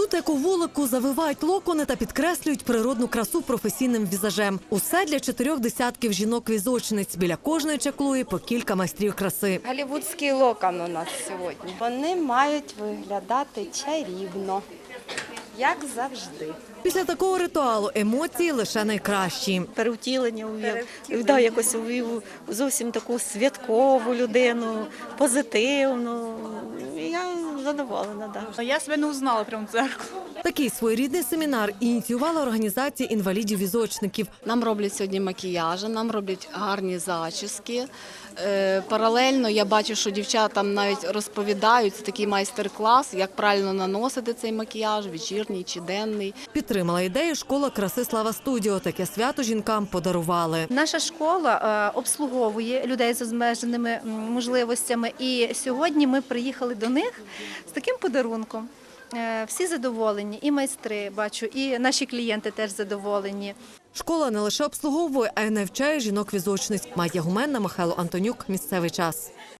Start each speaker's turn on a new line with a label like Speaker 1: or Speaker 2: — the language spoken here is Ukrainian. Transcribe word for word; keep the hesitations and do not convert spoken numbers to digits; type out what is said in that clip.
Speaker 1: Тут, як у вулику, завивають локони та підкреслюють природну красу професійним візажем. Усе для чотирьох десятків жінок-візочниць. Біля кожної чаклує по кілька майстрів краси.
Speaker 2: Голлівудський локон у нас сьогодні. Вони мають виглядати чарівно, як завжди.
Speaker 1: Після такого ритуалу емоції лише найкращі.
Speaker 3: Перевтілення увів, да, якось увів зовсім таку святкову людину, позитивну. Я задоволена, да.
Speaker 4: Я себе не узнала прямо в дзеркало.
Speaker 1: Такий своєрідний семінар ініціювала організація інвалідів-візочників.
Speaker 5: Нам роблять сьогодні макіяжі, нам роблять гарні зачіски. Е, паралельно я бачу, що дівчатам навіть розповідають, це такий майстер-клас, як правильно наносити цей макіяж, вечірній чи денний.
Speaker 1: Підтримала ідею школа краси «Слава Студіо». Таке свято жінкам подарували.
Speaker 6: Наша школа обслуговує людей з обмеженими можливостями, і сьогодні ми приїхали до них з таким подарунком. Всі задоволені, і майстри, бачу, і наші клієнти теж задоволені.
Speaker 1: Школа не лише обслуговує, а й навчає жінок-візочниць. Майя Гуменна, Михайло Антонюк. Місцевий час.